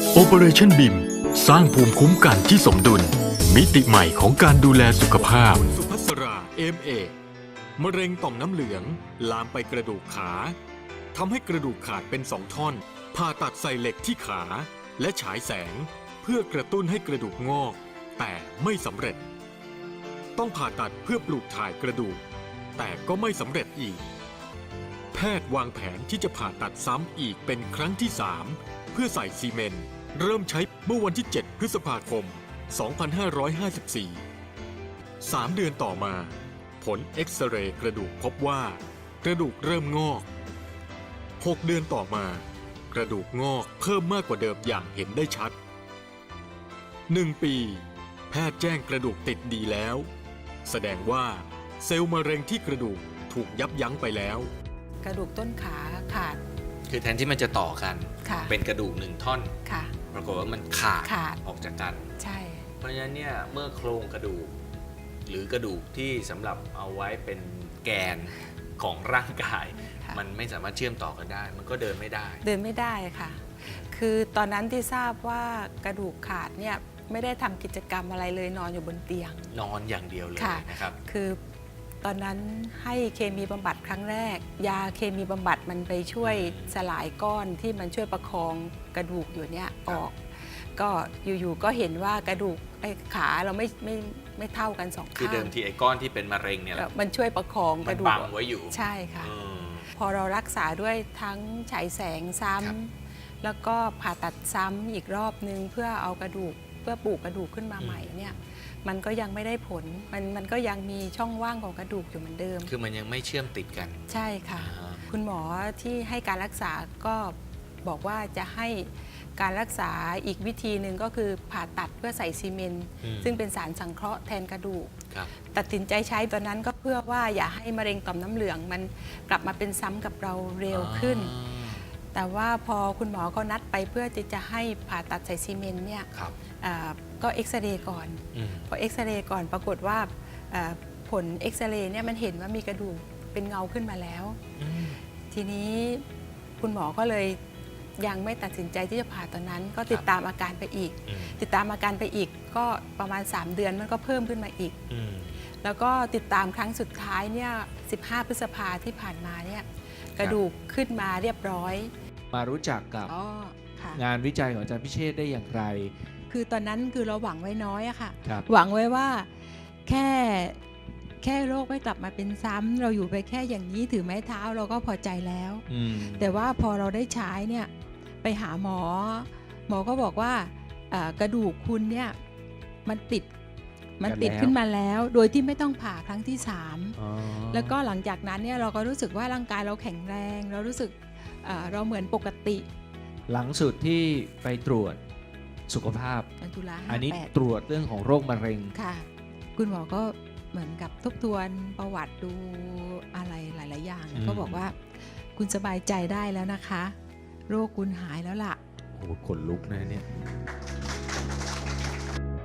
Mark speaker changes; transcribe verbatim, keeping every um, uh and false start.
Speaker 1: Operation บี ไอ เอ็ม สร้างภูมิคุ้มกันที่สมดุลมิติใหม่ของการดูแลสุขภาพสุภัสรา เอ็ม เอ มะเร็งต่อมน้ำเหลืองลามไปกระดูกขาทำให้กระดูกขาดเป็นสองท่อนผ่าตัดใส่เหล็กที่ขาและฉายแสงเพื่อกระตุ้นให้กระดูกงอกแต่ไม่สำเร็จต้องผ่าตัดเพื่อปลูกถ่ายกระดูกแต่ก็ไม่สำเร็จอีกแพทย์วางแผนที่จะผ่าตัดซ้ำอีกเป็นครั้งที่สามเพื่อใส่ซีเมนต์เริ่มใช้เมื่อวันที่เจ็ดพฤษภาคมสองพันห้าร้อยห้าสิบสี่ สามเดือนต่อมาผลเอ็กซเรย์กระดูกพบว่ากระดูกเริ่มงอกหกเดือนต่อมากระดูกงอกเพิ่มมากกว่าเดิมอย่างเห็นได้ชัดหนึ่งปีแพทย์แจ้งกระดูกติดดีแล้วแสดงว่าเซลล์มะเร็งที่กระดูกถูกยับยั้งไปแล้ว
Speaker 2: กระดูกต้นขาขาด
Speaker 3: คือแทนที่มันจะต่อกันเป็นกระดูกหนึ่งท่อนปรากฏว่ามันขาดขาดออกจากกัน
Speaker 2: ใช่
Speaker 3: เพราะฉะนั้นเนี่ยเมื่อโครงกระดูกหรือกระดูกที่สำหรับเอาไว้เป็นแกนของร่างกายมันไม่สามารถเชื่อมต่อกันได้มันก็เดินไม่ได้
Speaker 2: เดินไม่ได้ค่ะคือตอนนั้นที่ทราบว่ากระดูกขาดเนี่ยไม่ได้ทำกิจกรรมอะไรเลยนอนอยู่บนเตียง
Speaker 3: นอนอย่างเดียวเลยนะครับ
Speaker 2: คือตอนนั้นให้เคมีบำบัดครั้งแรกยาเคมีบำบัดมันไปช่วยสลายก้อนที่มันช่วยประคองกระดูกอยู่เนี่ยออกก็อยู่ๆก็เห็นว่ากระดูกไอ้ขาเราไม่ไม่ไม่เท่ากันสองข้าง
Speaker 3: คือเดิมทีไอ้ก้อนที่เป็นมะเร็งเนี่ย
Speaker 2: มันช่วยประคองกระดูก
Speaker 3: บังไว้อยู่
Speaker 2: ใช่ค่ะพอเรารักษาด้วยทั้งฉายแสงซ้ำแล้วก็ผ่าตัดซ้ำอีกรอบนึงเพื่อเอากระดูกเพื่อปลูกกระดูกขึ้นมาใหม่เนี่ยมันก็ยังไม่ได้ผลมันมันก็ยังมีช่องว่างของกระดูกอยู่เหมือนเดิม
Speaker 3: คือมันยังไม่เชื่อมติดกัน
Speaker 2: ใช่ค่ะคุณหมอที่ให้การรักษาก็บอกว่าจะให้การรักษาอีกวิธีหนึ่งก็คือผ่าตัดเพื่อใส่ซีเมนต์ซึ่งเป็นสารสังเคราะห์แทนกระดูกตัดสินใจใช้ตอนนั้นก็เพื่อว่าอย่าให้มะเร็งต่อมน้ำเหลืองมันกลับมาเป็นซ้ำกับเราเร็วขึ้นแต่ว่าพอคุณหมอก็นัดไปเพื่อที่จะให้ผ่าตัดใส่ซีเมนต์เนี่ยก็เอ็กซเรย์ก่อนพอเอ็กซเรย์ก่อนปรากฏว่าผลเอ็กซเรย์เนี่ยมันเห็นว่ามีกระดูกเป็นเงาขึ้นมาแล้วทีนี้คุณหมอก็เลยยังไม่ตัดสินใจที่จะผ่าตอนนั้นก็ติดตามอาการไปอีกติดตามอาการไปอีกก็ประมาณสามเดือนมันก็เพิ่มขึ้นมาอีกแล้วก็ติดตามครั้งสุดท้ายเนี่ยสิบห้าพฤษภาที่ผ่านมาเนี่ยกระดูกขึ้นมาเรียบร้อย
Speaker 4: มารู้จักกับงานวิจัยของอาจารย์พิเชษฐ์ได้อย่างไร
Speaker 2: คือตอนนั้นคือเราหวังไว้น้อยอะค่ะหวังไว้ว่าแค่แค่โรคไม่กลับมาเป็นซ้ำเราอยู่ไปแค่อย่างนี้ถือไม้เท้าเราก็พอใจแล้วแต่ว่าพอเราได้ใช้เนี่ยไปหาหมอหมอก็บอกว่ากระดูกคุณเนี่ยมันติดมันติดขึ้นมาแล้วโดยที่ไม่ต้องผ่าครั้งที่สามแล้วก็หลังจากนั้นเนี่ยเราก็รู้สึกว่าร่างกายเราแข็งแรงเรารู้สึกเราเหมือนปกติ
Speaker 4: หลังสุดที่ไปตรวจสุขภาพอันนี้ตรวจเรื่องของโรคมะเร็ง
Speaker 2: ค่ะคุณหมอก็เหมือนกับทบทวนประวัติดูอะไรหลายๆอย่างก็บอกว่าคุณสบายใจได้แล้วนะคะโรคคุณหายแล้วล่ะ
Speaker 4: โอ้ขนลุกนะเนี่ย